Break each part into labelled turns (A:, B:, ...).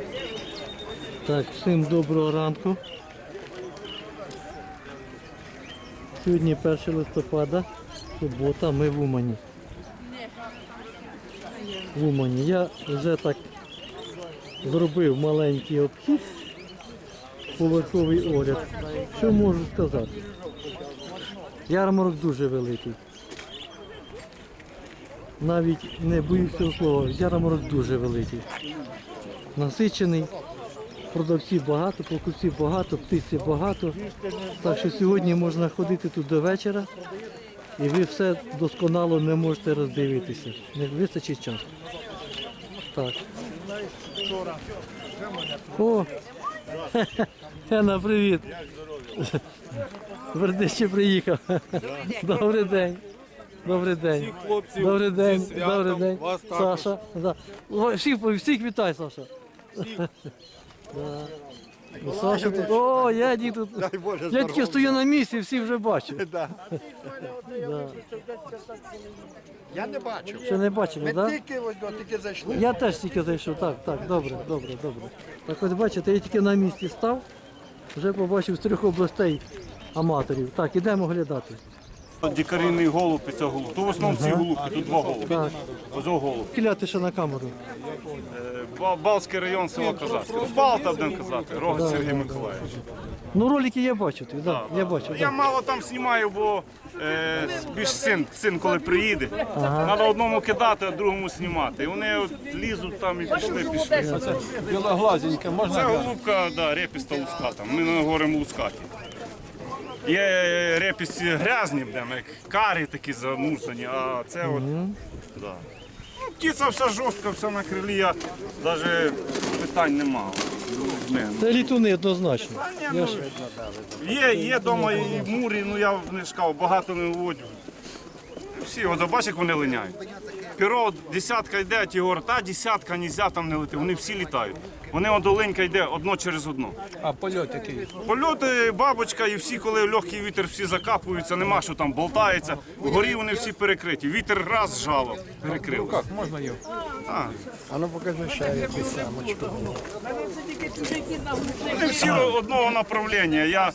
A: Так, всім доброго ранку. Сьогодні 1 листопада, субота, ми в Умані. В Умані. Я вже так зробив маленький обхід, поверховий огляд. Що можу сказати? Ярмарок дуже великий. Навіть не боюсь цього слова, ярмарок дуже великий. Насичений, продавців багато, покупців багато, птиці багато. Так що сьогодні можна ходити тут до вечора і ви все досконало не можете роздивитися. Не вистачить часу. Так. О! Гена, привіт! Вердище приїхав. Добрий день. Добрий день. Добрий день. Добрий день. Саша. Да. Всіх вітай, Саша. Да. Саша тут. О, я тут. Я тільки стою на місці, всі вже бачу. Да.
B: Я не бачив.
A: Ще не бачили,
B: Ми
A: так?
B: тільки зайшли.
A: Я теж тільки зайшов. Так, добре. Так ось бачите, я тільки на місці став, вже побачив з 3 областей аматорів. Так, ідемо глядати.
C: Дікарійний голуб і цього голуб. То в основному ці голубки, тут 2 голуби.
A: Так.
C: Ось голуб.
A: Кіляти ще на камеру.
C: Балтський район, село Козацьке. Ну, Балта, будемо казати, Рогат Сергій Миколаївич.
A: Ну ролики я бачу, я бачу.
C: Я мало там знімаю, бо більш син коли приїде. Треба одному кидати, а другому знімати. І вони от лізуть там і пішли.
B: Білоглазенька, можна?
C: Це голубка, да, репіста луската. Ми говоримо лускаті. Є репісті грязні, як карі такі замусані, а це от, да. Ну, птиця вся жорстка, вся на крилі, я навіть питань не мав.
A: Це літуни однозначно.
C: Є вдома і мурі, ну я не шкав, багато не виводю. Всі, от бачиш, як вони линяють. Піро, десятка йде, а ті говорять, та десятка, нельзя там не лети, вони всі літають. Вони от оленька йде одно через одно.
B: А польот який?
C: Польоти, бабочка і всі, коли легкий вітер, всі закапуються, нема що там болтається. Вгорі вони всі перекриті. Вітер раз жало, перекрив.
B: Як, можна його? А ну покажи ще якусь самочку.
C: Вони всі одного направлення. Я,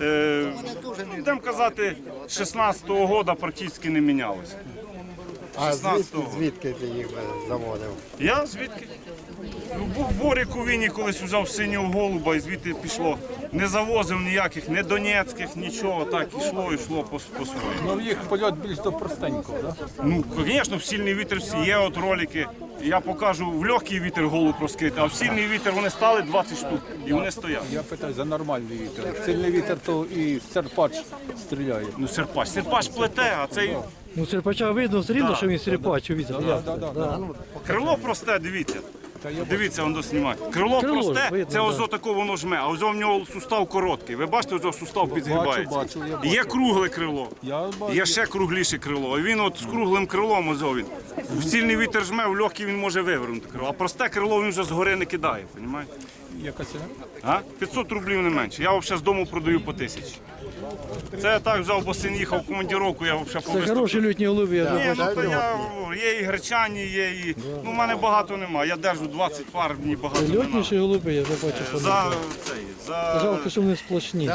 C: будемо казати, з 16-го року практично не мінялося.
B: А
C: 16-го.
B: звідки ти їх заводив?
C: Я звідки? Був Борик у Віні, колись взяв синього голуба і звідти пішло. Не завозив ніяких, не донецьких, нічого, так йшло по своєму.
B: Ну їх польот більш до простенького, так?
C: Ну, звісно, в сильний вітер всі є от ролики. Я покажу в легкий вітер голуб розкрити, а в сильний вітер вони стали 20 штук і вони стоять.
B: Я питаю за нормальний вітер. Сильний вітер, то і серпач стріляє.
C: Ну, серпач плете, а цей
A: Ну серпача видно все рівно, що він серпач,
C: крило просте, дивіться. Дивіться, воно знімає.
A: Крило
C: Крило
A: ж
C: просте,
A: видно,
C: це
A: да.
C: ось тако воно жме, а ось в нього сустав короткий. Ви бачите, ось сустав підгибається.
B: Бачу, я бачу.
C: Є кругле крило,
B: Я бачу.
C: є ще кругліше крило. І він от з круглим крилом ось він. В сильний вітер жме, в легкий він може вивернути крило. А просте крило він вже згори не кидає, розумієте?
B: Яка ціна?
C: А? 500 рублів не менше. Я взагалі з дому продаю по 1000. Це я так взяв, бо син їхав в командировку, я взагалі
A: Це хороші лютні голуби, я вже
C: Ні,
A: бачу.
C: ну то я говорю, є і гречані, є і. Ну, в мене багато немає. Я держу 20 пар, мені багато не треба.
A: Льотніші голуби, я вже бачу, що
C: За
A: не
C: цей, за
A: жалко, що вони сплошні.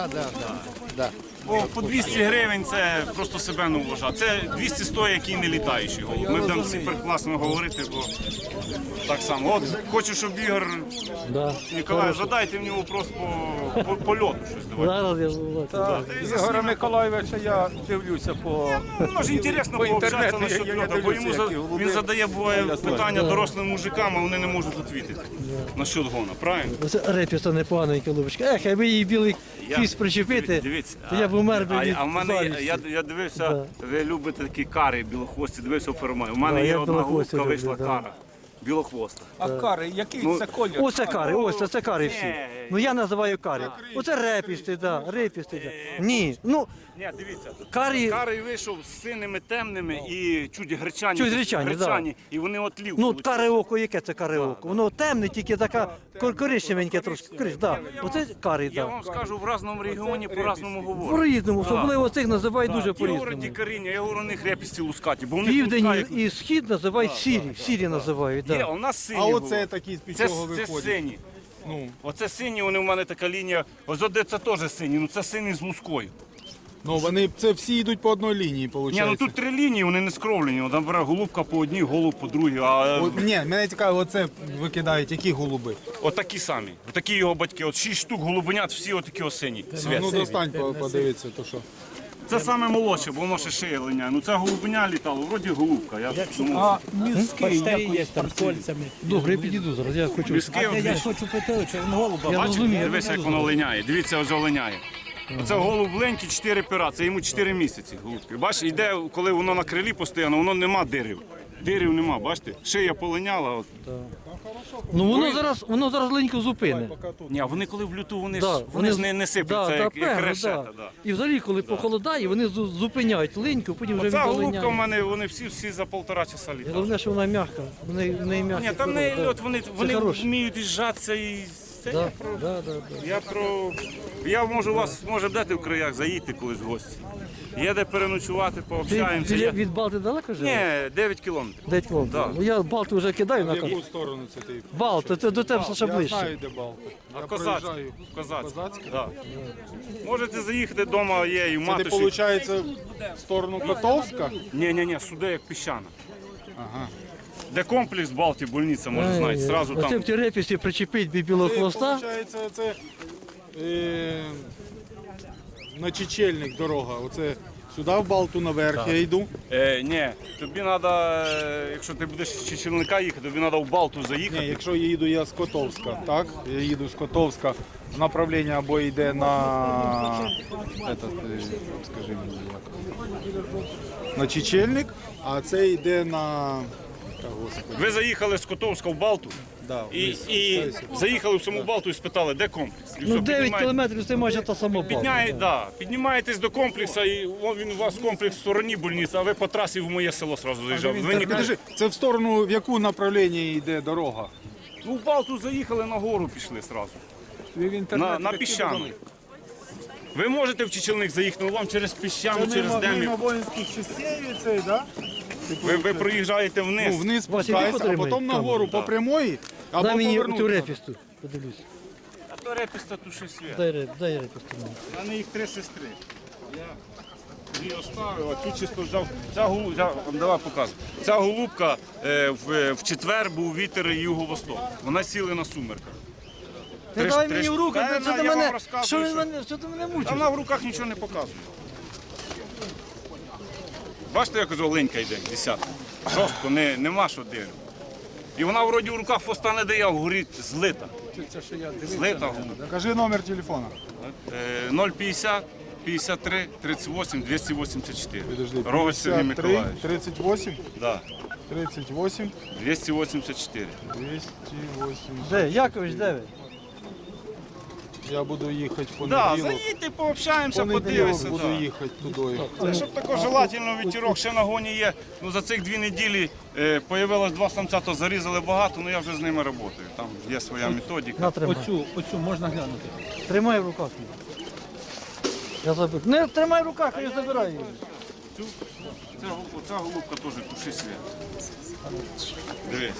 C: Бо по 200 гривень це просто себе не вважає. Це 200 стоїть, який не літаючий голуб. Ми будемо всі прекрасно говорити, бо так само. От хочу, щоб Ігор
A: Да.
C: Ніколаєв, задайте мені вопрос по польоту щось. Давайте.
A: Зараз я бачу.
B: Ігоря Миколаєвича я дивлюся по...
C: Ну, ж інтересно
B: По
C: пообщатися
B: інтернету
C: насчет
B: я
C: льота, бо
B: дивлюся,
C: йому
B: які голуби.
C: він задає буває питання дорослим мужикам, а вони не можуть відповідати насчет гона, правильно?
A: Оце репіста непоганий голубочка. Ех, аби її білий хвіст причепити,
C: Дивіться,
A: то я б умер би від
C: а в мене
A: завісті.
C: я дивився, ви любите такі кари білохвості, дивився в перемогі. У
A: Да,
C: мене є
A: я
C: одна
A: білохвості
C: голубка,
A: люблю,
C: вийшла
A: да.
C: кара. Білохвоста.
B: А кари, який
C: Ну,
B: це колір?
A: Оце кари, ось це кари всі. Ну я називаю кари. Оце репісти, да, репісти. Да. Ні, ну
C: Ні, дивіться,
A: карі,
C: карий вийшов з синими темними і чуть гречані.
A: Чуть гречані,
C: і вони отлів.
A: ну каре око, яке це каре око? Воно темне, тільки така коричневеньке трошки. Да. Оце кари,
C: Я
A: так.
C: вам скажу, в разному регіоні по-разному говорять.
A: По-різному, особливо цих називають дуже
C: Ті говорять
A: по-різному.
C: дікаріння, я говорю, у них репісті лускаті, бо у них
A: Південь
C: луска, як...
A: і схід називають сірі, сірі називають,
C: Є,
A: да.
C: у нас сині
D: А
C: голуби.
D: оце такі з
C: Це
D: чого виходять?
C: сині.
D: Ну,
C: Оце сині, вони в мене така лінія. Ось де це теж сині, ну це сині з лускою.
D: ну вони це всі йдуть по одній лінії,
C: Ні,
D: виходить.
C: ну тут 3 лінії, вони не скровлені. Там бере голубка по одній, голуб по другій. А
D: Ні, мене цікаво, оце викидають, які голуби.
C: отакі самі. Отакі його батьки. От 6 штук голубенят, всі отакі осені.
D: Ну достань, подивитися, то що.
C: Це саме молодше, бо воно ще шиє линяє. Ну це голубеня літало, вроді голубка. Я
E: А міський якось там з кольцями.
A: Добре, я підійду зараз, я хочу.
C: міське,
E: А я хочу питати, чи він голуба.
A: Я
C: бачите,
A: розумію.
C: дивися, як воно линяє. Дивіться, ось линяє. Оце голуб ленький, 4 пера, це йому 4 місяці голубки. Бачиш, йде, коли воно на крилі постійно, воно нема дирів. Дирів нема, бачите? Шия полиняла. От.
A: Ну воно зараз ленько зупине.
C: Ні, а вони коли в люту, вони
A: Да,
C: ж вони ж не сипляться, як
A: певно,
C: решета.
A: да.
C: Да.
A: І взагалі, коли похолодає, вони зупиняють леньку, потім вже
C: Оця голубка в
A: віддалиняють.
C: мене, вони всі за 1,5 часа літають.
A: Головне, що вона м'яка. В неї м'яка.
C: Ні, там не льот, вони
A: хороше.
C: вміють їжджатися і це
A: Да, да, да.
C: я можу вас, може, дати в краях, заїдьте колись в гості. Є де переночувати, пообщаємося.
A: Від Балти далеко живе?
C: Ні, 9 кілометрів.
A: 9 кілометрів.
C: Да.
A: Ну, я Балту вже кидаю на
D: В
A: карту.
D: яку сторону це ти?
A: Балти, це до тебе ще
D: Я
A: ближче.
D: знаю, де Балти.
C: А
D: Я
C: Козацьке.
D: проїжджаю.
C: Козацьке. Да. Можете заїхати вдома, є і
D: Це
C: матуші.
D: ти, виходить, в сторону Котовська?
C: Ні, сюди як піщана.
D: Ага.
C: Де комплекс Балті, больниця, може знаєте, зразу
A: Оце
C: там.
A: в Терепісі причепить білого хвоста.
D: Виходить, це на Чечельник дорога. Оце сюди в Балту наверх я йду.
C: Ні, тобі треба, якщо ти будеш з Чечільника їхати, тобі треба в Балту
D: Ні,
C: заїхати.
D: якщо їду я з Котовська, так? Я їду з Котовська, направлення або йде на скажи мені як. На Чечельник, а це йде на. Та, Господи.
C: Ви заїхали з Котовська в Балту
D: Да,
C: і заїхали в саму Балту і спитали, де комплекс. І
A: Ну
C: все,
A: 9
C: піднімаєте-
A: кілометрів це майже та сама Балта.
C: Піднімаєтесь до комплексу, і він у вас комплекс в стороні больниці, а ви по трасі в моє село одразу заїжджали. Ви
D: Так,
C: ніколи-
D: підожди, це в сторону, в яку направлення йде дорога?
C: Ну, в Балту заїхали, на гору пішли одразу. На піщану. Ви можете в Чечільник заїхати, але вам через піщану, через Демів.
D: воїнських частей цей, так?
C: Ви проїжджаєте вниз.
D: Ну, вниз
A: Вася,
D: спускайся, а
A: потримай
D: потім
A: камеру,
D: нагору по прямої, або
A: Дай мені
D: повернути.
A: цю репісту, подивлюсь.
C: А то репіста туши світ.
A: Дай репісту.
C: У мене їх 3 сестри. Я її оставив, а цю чисто взяв. Ця голубка, давай показуй. Ця голубка в четвер був вітер юго-восток. Вона сіли на сумерках.
A: Ти дай мені в руки,
C: Та,
A: що ти
C: я вам
A: мене,
C: розказую,
A: що
C: що-
A: що ти мене
C: Та
A: мучиш?
C: вона в руках нічого не показує. Бачите, як оленька йде, десятка. Жорстко, нема що дивити. І вона вроді в руках хвоста не дає, а вгорі злита. Злита голубка.
D: Кажи номер телефона.
C: 050 53 38 284.
D: Підожди,
C: Рогач Сергій
D: 53,
C: Миколаївич.
D: 38,
C: Да.
D: 38,
C: 284.
D: 208.
A: Де, Якович, де ви?
D: Я буду їхати в
C: Да,
D: понеділок.
C: заїдьте, пообщаємося,
D: Понеділок
C: подивися.
D: буду
C: Да.
D: їхати туди.
C: Це щоб також желательно вітірок ще на гоні є. Ну, за цих 2 неділі появилось 2 самця, то зарізали багато, але я вже з ними працюю. Там є своя методика.
A: На, тримай.
E: Оцю можна глянути.
A: Тримай в руках. Я забив. Не тримай в руках, я забираю її.
C: Оця голубка теж туши світ. Дивись.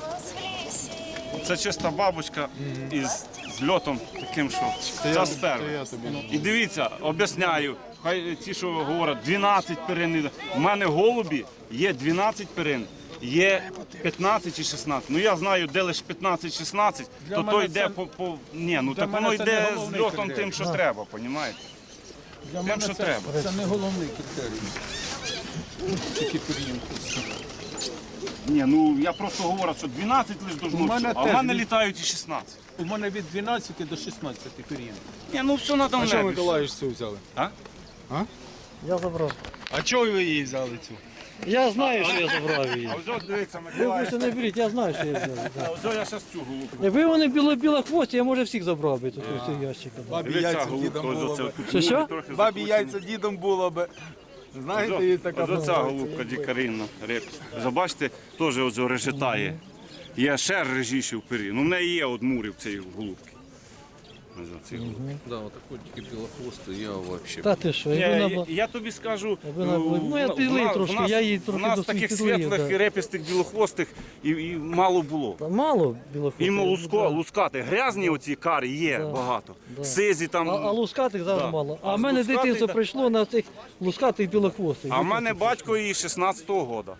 C: Це чиста бабочка із льотом таким, що ця сперма.
D: Це я тобі.
C: І дивіться, об'ясняю, хай ті, що говорять, 12 перин. У мене голубі є 12 перин, є 15 і 16. Ну я знаю, де лише 15-16, то то йде по. Ні, ну так воно
E: мене це не
C: йде з
E: головний
C: льотом
E: критерій.
C: тим, що треба, розумієте?
E: Для
C: Тим,
E: мене
C: що треба.
E: це не головний критерій. Тільки період.
C: Ні, ну я просто говорю, що 12 лише
E: У
C: должно
E: мене
C: все, а в
E: теж
C: мене
E: від-
C: літають і 16.
E: У мене від 12 до 16 період.
C: Ні, ну все надо
D: А
C: в
D: що
C: небі.
D: Миколаївич цю взяли?
A: Я забрав.
D: А чого ви її взяли цю?
A: Я знаю, що я забрав її.
C: А ось дивіться,
A: Ви
C: Миколаїв.
A: просто не беріть, я знаю, що я взяв. да.
C: Ось я зараз цю голубку.
A: Якби вони біла хвості, я може всіх забрав би тут ось цього ящика.
D: Бабі
C: Дивіться,
D: яйця
C: голубка,
D: дідом було
C: ось оце
D: би.
C: тут.
A: Що?
C: Трохи
D: Бабі
C: закручені.
D: яйця дідом було би. Знаєте, є така.
C: Ось оця голубка дікаринна, репіс. Забачите, теж ось решетає. Є ще режіші в пері. Ну в неї є от мурів цієї голубки.
E: Да, вот такой тільки білохвостий, я вообще.
A: Та ти що,
C: Ні,
A: якби вона
C: я тобі скажу,
A: Якби вона була- ну, я підлив трошки, я її трохи
C: у нас
A: досить
C: таких
A: підлив,
C: світлих,
A: да.
C: репістих, білохвостих і мало було.
A: мало білохвостих.
C: Іменно
A: Да.
C: лускати. Грязні оці кари є
A: Да.
C: багато.
A: Да.
C: Сизі там.
A: А лускатих завжди
C: Да.
A: мало.
C: А
A: А в мене
C: лускатих,
A: дитинство
C: да.
A: прийшло на цих лускатих білохвостих.
C: А в мене батько і 16-го года.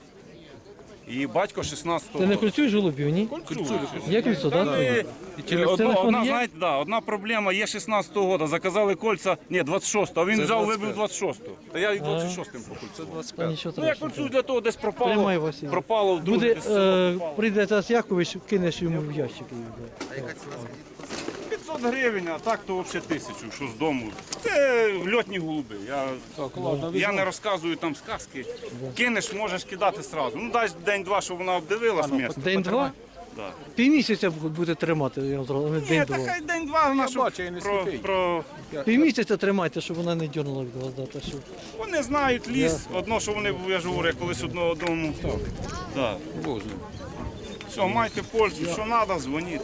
C: І батько 16-го
A: Ти не
C: года.
A: кольцюєш голубів, ні? Є кольцо, так? Телефон
C: Одна,
A: є?
C: знаєте, да, одна проблема, є 16-го года, заказали кольця, ні, 26-го, а він взяв, вибив 26-го. Та я і 26-м по кольцю.
A: Та нічого
C: Ну, я
A: страшного.
C: кольцю для того десь
A: Тримай,
C: пропало,
A: Василь.
C: пропало в друге
A: Буде,
C: десь село пропало.
A: прийде Тарас Якович, кинеш йому в ящик. і йде.
C: 500 гривень, а так то взагалі 1000, що з дому. Це льотні голуби. Я не розказую там сказки. Кинеш, можеш кидати одразу. Ну дай день-два, щоб вона обдивилась місце.
A: День-два?
C: Да.
A: Півмісяця буде тримати, я зразу.
C: Ні,
A: День-два.
C: та хай день-два вона щоб
D: бачу, я не
C: про,
D: сліпий.
C: про...
A: Півмісяця тримайте, щоб вона не дьорнула від вас. Да, та що.
C: Вони знають ліс, одно, що вони, я ж говорю, я колись одного дому. Да.
E: Боже.
C: Все, майте пользу, що треба, дзвоніть.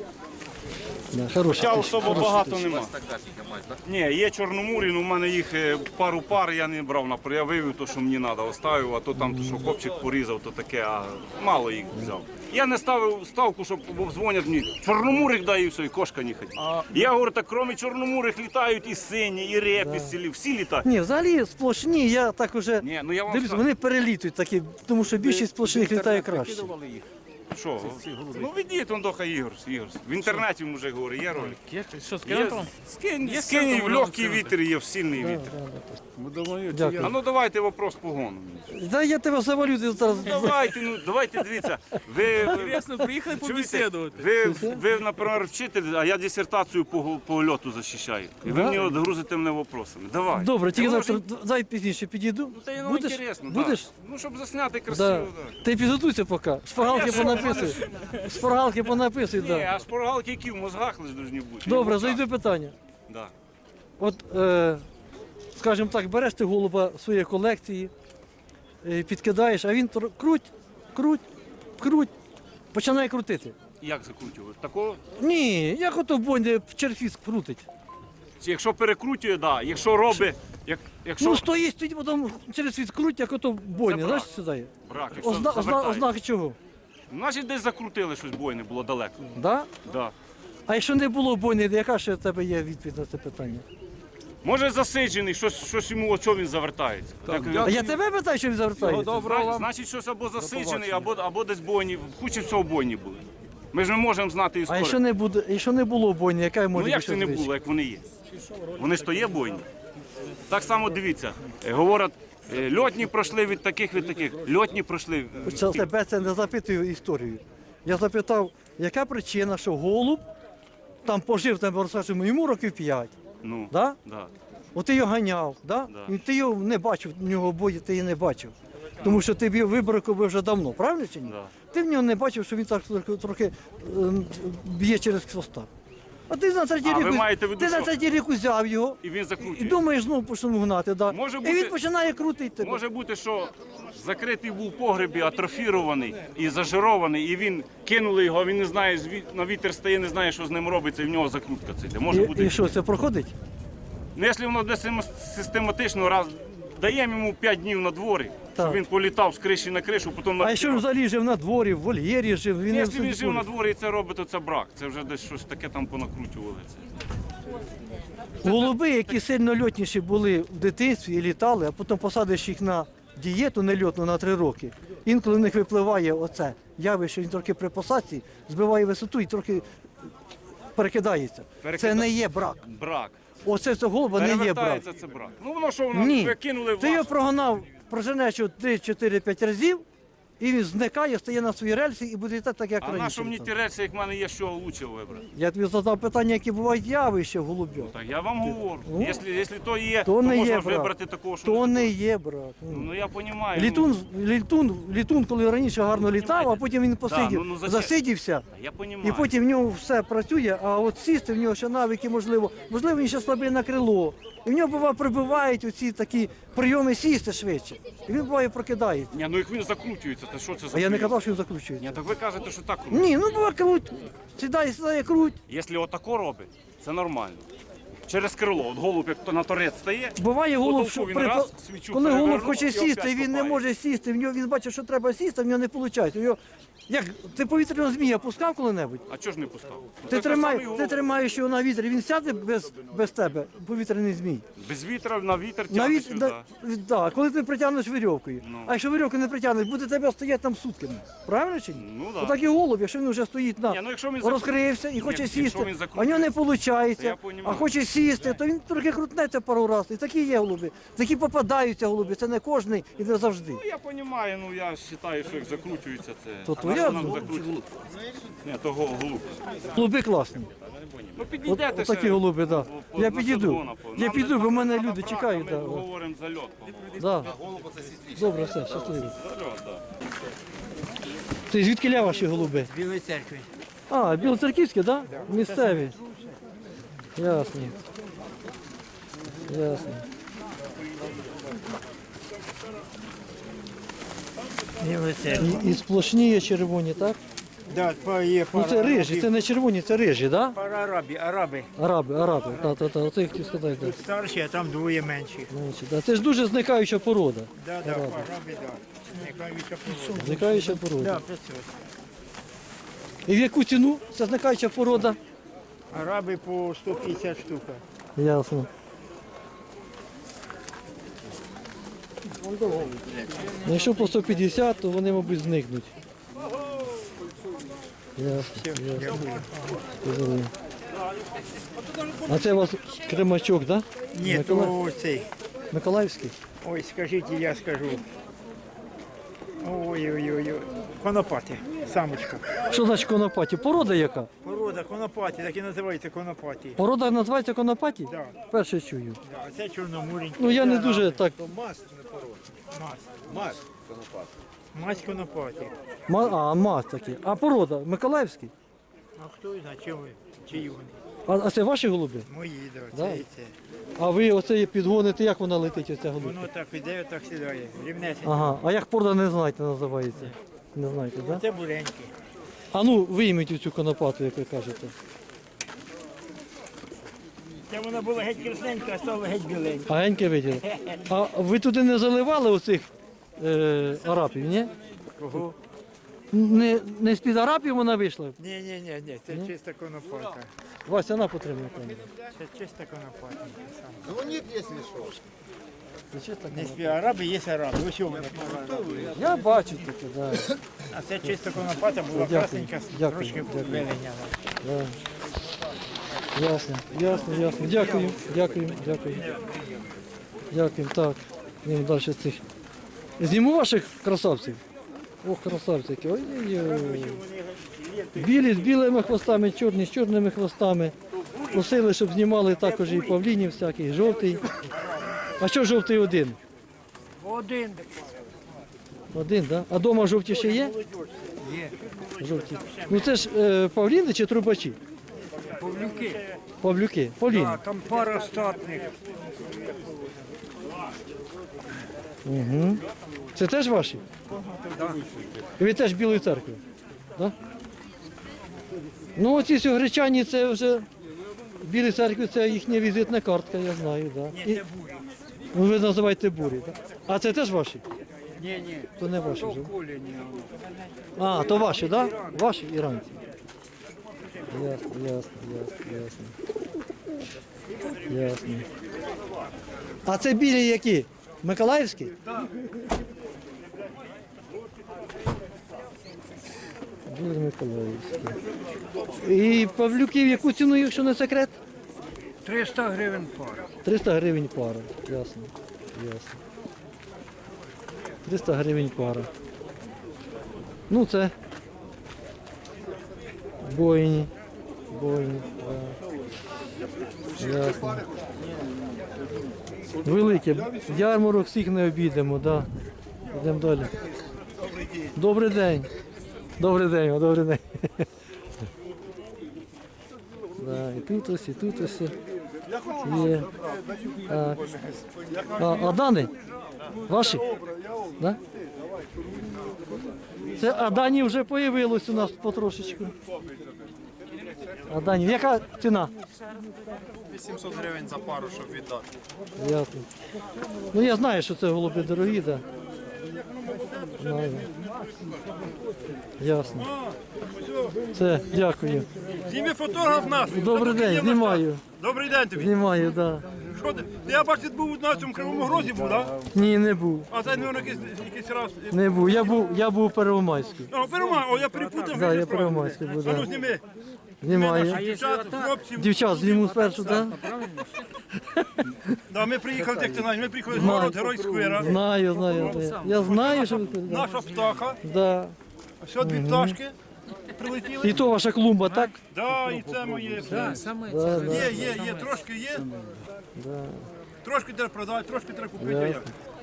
A: Да, хороша
C: Хоча
A: птичка,
C: особо
A: хороша
C: багато
A: птичка.
C: нема.
E: Тогда піднімати, так?
C: Ні, є чорномурі, але в мене їх пару пар я не брав на я вивів то, що мені треба, оставив, а то там, що хлопчик порізав, то таке, а мало їх взяв. Я не ставив ставку, щоб бо дзвонять мені, чорномурих дай і все, і кошка не ходить. Я говорю, так крім чорномурих літають і сині, і репіси, всі літають.
A: Ні, взагалі сплошні, я так уже
C: Ні, ну я вам
A: дивлюся,
C: скажу.
A: вони перелітують такі, тому що більшість сплошних літає краще.
C: Що? Ну ведіть, он доха Ігор. В інтернеті вже говорить, є ролик.
F: Що,
C: Є,
F: скинемо там?
C: скинь, в легкий вітер є, в сильний вітер.
A: Дякую.
C: А ну давайте вопрос погону.
A: Да, я тебе завалю ти зараз.
C: Давайте, дивіться. Ви,
F: Інтересно, приїхали побесідувати.
C: ви, наприклад, вчитель, а я дисертацію по льоту захищаю. І ви
A: Да?
C: мені от грузите мене вопросами. Давай.
A: Добре, тільки
C: Я
A: завтра,
C: можу-
A: дай пізніше підійду.
C: Та й ну
A: Будеш?
C: інтересно,
A: Будеш?
C: Да. Ну, щоб засняти красиво.
A: Да.
C: Да.
A: Ти підготуйся поки. Шпаргалки понаписуй. Шпаргалки понаписуй,
C: Ні,
A: да.
C: а шпоргалки які в мозгах лише повинні бути.
A: Добре,
C: І в руках.
A: зайду питання.
C: Да.
A: От, скажімо так, береш ти голуба своєї колекції, підкидаєш, а він круть, починає крутити.
C: Як закручувати? Такого?
A: Ні, як ото в бонді черфіс крутить.
C: Якщо перекрутює, да. Якщо робить, якщо
A: Ну стоїть, потім через світ круть, як ото в бонді.
C: Це
A: Знаєш,
C: брак.
A: сюди?
C: брак, якщо
A: Ознаки чого?
C: Значить десь закрутили щось, бой не було далеко.
A: Да?
C: Да.
A: А якщо не було бойни, яка ще в тебе є відповідь на це питання?
C: Може засиджений, щось йому, о чого він завертається. Так,
A: А я тебе питаю, що він завертається?
C: значить, щось або засиджений, або десь бойні, хуче всього бойні були. Ми ж не можемо знати
A: А
C: історію.
A: якщо не було бойни, яка може
C: Ну як
A: бути
C: це не
A: звичка?
C: було, як вони є? Вони ж то є бойні. Так само дивіться, говорять, льотні пройшли від таких. Льотні пройшли.
A: Це тебе це не запитую історію. Я запитав, яка причина, що голуб там пожив, там розкажемо, йому років 5.
C: Ну,
A: Да?
C: да.
A: От ти його ганяв, да?
C: Да.
A: І ти його не бачив, в нього бої ти її не бачив. Тому що ти б його вибракував вже давно, правильно чи ні?
C: Да.
A: Ти в нього не бачив, що він так трохи б'є через хвоста. А ти на третій
C: А, ви
A: рік,
C: маєте в виду,
A: ти на
C: що?
A: третій рік узяв його
C: І він
A: і
C: закручує.
A: думаєш, знову почнемо гнати. Да?
C: Може
A: І
C: бути-
A: він починає крутити тебе.
C: Може бути, що закритий був в погребі, атрофірований і зажирований, і він кинули його, він не знає, на вітер стає, не знає, що з ним робиться, і в нього закрутка це йде. Може бути.
A: І що, це проходить?
C: Ну, якщо воно десь систематично раз даємо йому 5 днів на дворі,
A: Так.
C: щоб він політав з криші на кришу, потім
A: А якщо він взагалі жив на дворі, в вольєрі жив, він не
C: Якщо він
A: в
C: жив на дворі і це робить, то це брак. Це вже десь щось таке там понакручували.
A: Голуби, які сильно льотніші були в дитинстві і літали, а потім посадиш їх на дієту нельотну на 3 роки. Інколи в них випливає оце явище, він трохи при посадці збиває висоту і трохи перекидається. Це не є брак.
C: Брак.
A: Оце цього голуба не є брак.
C: Перевертається це брак. Ну воно що, воно
A: Ні.
C: ви кинули в
A: Ти його
C: вас.
A: прогнав, проженеш його 3-4-5 разів, і він зникає, стає на свої рельси і буде літати так, як
C: А
A: раніше.
C: на що мені
A: літав.
C: ті рельси, як в мене є, що лучше вибрати?
A: Я тобі задав питання, які бувають явища в голубів.
C: Так я вам говорю.
A: Ну,
C: Якщо то є,
A: то
C: то
A: не
C: можна
A: є
C: ж
A: брак.
C: вибрати такого, що
A: То
C: не
A: не
C: такого.
A: є брак.
C: Ну я розумію.
A: Літун, коли раніше гарно літав, а потім він посидів,
C: ну, зачем?
A: засидівся,
C: Я
A: і
C: розумію.
A: потім в нього все працює, а от сісти в нього ще навики, можливо, він ще слабий на крило. І в нього буває прибивають оці такі прийоми сісти швидше. І він буває прокидається.
C: Ні, ну як він закручується, кажете, що це за
A: А я не
C: прийом?
A: казав, що він закручується.
C: Ні, так ви кажете, що так робить.
A: Ні, ну круть. Сідає, круть.
C: Якщо отако робить, це нормально. Через крило, от голуб, як то на торець стає,
A: Буває голуб, що
C: він раз, свічу
A: коли голуб
C: перевернув
A: хоче
C: і
A: сісти,
C: опять
A: він не
C: копає.
A: може сісти. Він бачить, що треба сісти, а в нього не виходить. Як ти повітряного змія пускав коли-небудь?
C: А чого ж не пускав?
A: Ти тримаєш його на вітрі, він сяде без тебе, повітряний змій.
C: Без вітра на вітер
A: На
C: тягне
A: віт...
C: сюди.
A: да, коли ти притягнеш вірьовкою.
C: Ну.
A: А якщо вірьовку не притягнеш, буде тебе стояти там сутками. Правильно чи ні?
C: Ну, да.
A: Отак і голуб, якщо він вже стоїть
C: Ні, ну, якщо він
A: розкрився і хоче
C: якщо він
A: сісти, а
C: закрутив,
A: в нього не виходить,
C: я понімаю.
A: а хоче сісти, то він трохи крутнеться пару разів. І такі є голуби. Такі попадаються голуби, це не кожний і не завжди.
C: Ну, я розумію, ну я вважаю, що як закручується, це...
A: То
C: А
A: твоя
C: на що нам
A: думка.
C: закручувати? Ні, то голуб.
A: Голуби класні.
C: Ну підійдете
A: От такі
C: ще
A: голуби, так.
C: по-
A: Я
C: на
A: підійду.
C: шаблона,
A: Я
C: Нам
A: піду, бо в мене
C: треба
A: люди
C: брати,
A: чекають.
C: Ми
A: Да.
C: говоримо за льот.
A: Да. Добре, все, щасливо.
C: За льот, так.
A: Це звідки ля ваші голуби?
G: Білої церкви.
A: А, білоцерківські, так? Да? Місцеві. Ясно. Ясно.
G: Білої церкви.
A: І сплошні є червоні, так?
G: Да, є
A: Ну
G: пара
A: це рижі,
G: арабів.
A: це не червоні, це рижі, так? Да?
G: Пара араби.
A: Араби. Та. Оце я хотів сказати, так.
G: Тут старші, а там двоє менші.
A: Да. Це ж дуже зникаюча порода.
G: Да, араби, да. Зникаюча порода.
A: Зникаюча порода.
G: Да, працює.
A: І в яку ціну ця зникаюча порода?
G: Араби по 150 штука.
A: Ясно. Ну, якщо по 150, то вони, мабуть, зникнуть. Ясно. Зрозумів. А це у вас Кремачок, так? Да?
G: Ні, то цей.
A: Миколаївський?
G: Ой, скажіть, я скажу. Ой. Конопати, самочка.
A: Що значить конопаті? Порода яка?
G: Порода конопаті, так і називається конопаті.
A: Порода називається конопаті?
G: Да,
A: Перше чую.
G: да. А це чорномуренький.
A: Ну я не
G: це
A: дуже
G: араби.
A: так.
G: Мазь. Мазь конопаті.
A: Маз такий. А порода Миколаївський?
G: А хто знає, чиї вони?
A: А це ваші голуби?
G: Мої, да,
A: Да?
G: це і це.
A: А ви оце підгоните, як вона летить, оця голубка?
G: Воно так іде, так сідає. Рівнесенько.
A: Ага, а як порода не знаєте, називається? Не знаєте, так? Да?
G: Це буренькі.
A: А ну вийміть цю конопату, як ви кажете.
G: Це вона була геть красненька, а стала геть біленька.
A: А геньке виділи. А ви туди не заливали оцих арапів, ні?
G: Кого?
A: Не з-під арапів вона вийшла?
G: Ні, це чиста конопата.
A: Вася, на потримай.
G: Це чиста конопата.
D: Дзвоніть, якщо що.
A: Це чисто
G: Не спі араби, є араби. Ось вони.
A: Я бачу таке, да.
G: А це чиста конопата була
A: Дякую,
G: красненька,
A: дякую,
G: трошки
A: дякую.
G: виленяла.
A: Да. Ясно. Дякую. Дякую. Так, йдемо далі цих. Зніму ваших красавців. Ох, красавці які. Ой-ой-ой. Білі з білими хвостами, чорні з чорними хвостами. Просили, щоб знімали також і павлінів всяких, жовтий. А що жовтий один?
G: Один.
A: Один, так? Да? А вдома жовті ще є?
G: Є.
A: Жовті. Ну це ж павліни чи трубачі?
G: Павлюки.
A: Павлюки, павліни.
G: Там пара статних.
A: Угу. Це теж ваші? І ви теж Білої церкви? Да? Ну оці сьогречані це вже Білі церкви, це їхня візитна картка, я знаю. Да. І... Ну, ви називаєте бурі, так? А це теж ваші?
G: Ні.
A: То не ваші вже.
G: Коліні.
A: А, то ваші, так? Да? Ваші іранці. Ясно. А це білі які? Миколаївські? Так. Білі Миколаївські. І павлюків яку ціну, якщо не секрет?
G: 300 гривень пара.
A: 300 гривень пара. Ясно. 300 гривень пара. Ну це бойні. Да. Ясно. Велике. Ярмарок всіх не обійдемо, да. Йдемо далі. Добрий день. Добрий день. Да, і тут ось. Є. Так. А Дани? Ваші? Да? Це Адані вже появилось у нас потрошечку. Адані, яка ціна?
H: 800 гривень за пару, щоб віддати.
A: Ясно. Ну я знаю, що це голуби дорогі, так. Знаю. Ясно. Це, дякую.
I: Зніми фотограф наш.
A: Добрий день, знімаю.
I: Добрий день тобі.
A: Знімаю, так. Да.
I: Що ти? Я бачу, ти був на цьому Кривому Грозі був, так?
A: Ні, не був.
I: А це, мабуть, якийсь раз.
A: Не був. Я був у Первомайську.
I: О, перемагав, о, я перепутав.
A: Да, я Первомайську був,
I: А ну
A: да.
I: зніми.
A: Знімаю.
I: Дівчат, хлопців.
A: Дівчат, зніму спершу, так?
I: Да, ми приїхали, як ти знаєш, ми приїхали з город Герой Сквера.
A: Знаю. Я знаю, що ви тут. Да.
I: Наша птаха.
A: Да.
I: Все, дві пташки прилетіли.
A: І то ваша клумба, так?
I: Да, і це моє.
A: Да, да.
I: Є, трошки є. Трошки треба продати, трошки треба купити. а як?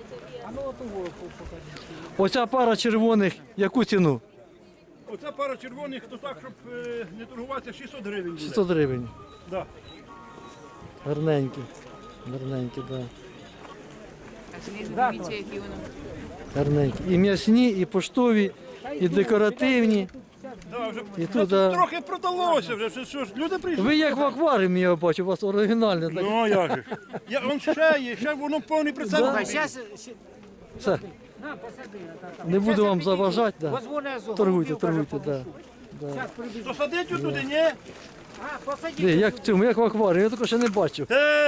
A: Оця пара червоних, яку ціну?
I: Оця пара червоних, то так, щоб не торгуватися, 600 гривень буде.
A: 600 гривень.
I: Да.
A: Гарненькі. Гарненькі, так.
F: Дивіться, які вони.
A: Гарненькі. І м'ясні, і поштові, і декоративні.
I: Да, вже
A: І
I: ну,
A: тут, да.
I: трохи продалося вже, що ж, люди прийшли.
A: Ви як в акваріумі, я бачу, у вас оригінальне. Так.
I: Ну, як же. Он ще є, ще воно повний прицел.
A: Да. Все. Не буду вам заважати, да. Торгуйте, да.
I: Посадить туди, ні?
A: Ні, як в цьому, як в акваріумі, я такого ще не бачив.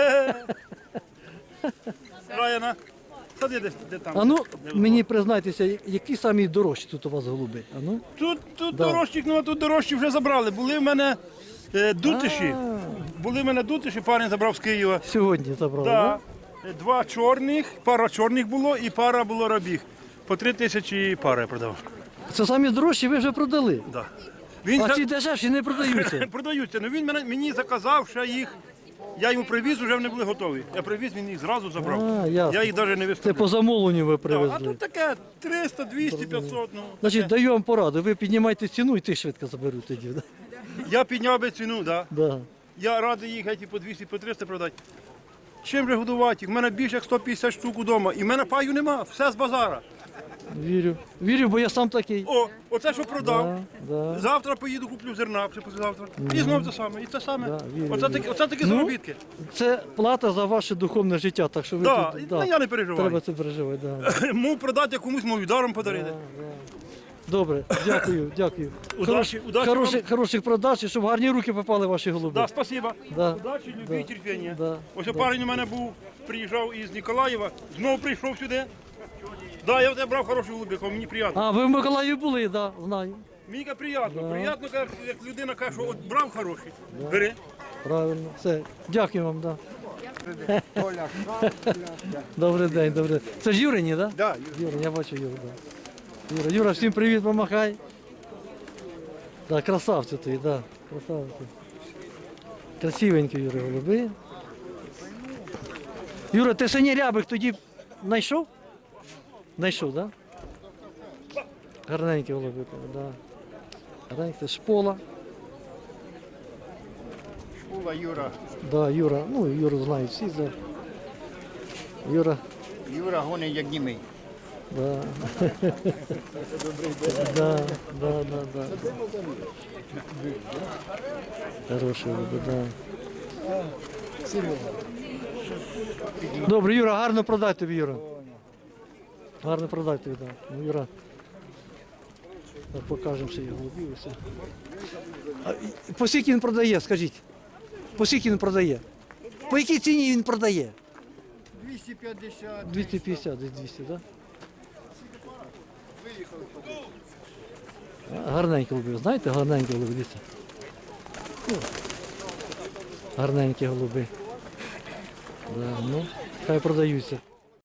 I: Раяна, сади десь де там.
A: А ну, мені признайтеся, які самі дорожчі тут у вас голуби? А ну?
I: Тут
A: Да.
I: дорожчих, ну а тут дорожчі вже забрали. Були в мене дутиші. Були в мене дутиші, парень забрав з Києва.
A: Сьогодні забрали,
I: Да.
A: так?
I: Два чорних, пара чорних було і пара було рабіг. По 3 тисячі пара я продав.
A: Це самі дорожчі ви вже продали.
I: Да. Він
A: А
I: за-
A: ці дешевші не продаються.
I: продаються, але він мені заказав ще їх. Я йому привіз, вже вони були готові. Я привіз, він їх зразу забрав.
A: А, ясно.
I: Я їх навіть не
A: Це
I: виставляв.
A: по замовленню ви
I: А
A: привезли.
I: тут таке 300, 200, 500. Ну,
A: Значить, даю вам пораду, ви піднімайте ціну і ти швидко заберуть тоді. Да?
I: я підняв би ціну, да.
A: Да.
I: Я радий їх геть і по 200, по 300 продати. Чим же годувати їх? У мене більше як 150 штук вдома. І в мене паю нема, все з базара.
A: Вірю. Вірю, бо я сам такий.
I: О, оце що продав.
A: Да.
I: Завтра поїду, куплю зерна, чи післязавтра. І знов те саме, і те саме.
A: Да, вірю,
I: Оце такі
A: Ну,
I: заробітки.
A: Це плата за ваше духовне життя, так що ви
I: Да,
A: тут,
I: ну, я не переживаю.
A: треба це переживати. Да.
I: Мов продати комусь, мов даром подарити.
A: Добре, дякую.
I: Удачі, удачі
A: Хороших продаж і щоб гарні руки попали ваші голуби.
I: Да, спасибо.
A: Да.
I: Удачі, любі і терпіння.
A: Да.
I: Ось парень у мене був, приїжджав із Ніколаєва, знову прийшов сюди. Да, я в тебе брав хороший голубик, мені приємно.
A: А, ви в Миколаєві були, да, знаю.
I: Мені приємно. Приємно, як людина каже, що от брав хороший. Бери.
A: Правильно. Все. Дякую вам, да. Добрий день, добрий день. Це ж Юрині, так? Да? Юра, я бачу Юру, да. Юра, всім привіт, помахай. Да, красавці твої, да. Красавці. Красивенькі, Юра, голуби. Юра, ти синій рябик тоді знайшов? Знайшов, так? Да? Гарненькі голуби, да. Гарненькі, це шпола.
E: Школа Юра.
A: Да, Юра, ну Юру знають всі, да.
E: Юра гонить як німий.
A: Да. Да. Хороший голуби, да. Добре, Юра, гарно продай тобі, Юра. Гарно продай тобі, да. Ну, Юра. Так, покажемо ще його голубів і все. По скільки він продає, скажіть? По скільки він продає? По якій ціні він продає?
E: 250.
A: 250, десь 200, так? Гарненькі голуби, знаєте, гарненькі голуби, дивіться. Гарненькі голуби. Да, ну, хай продаються.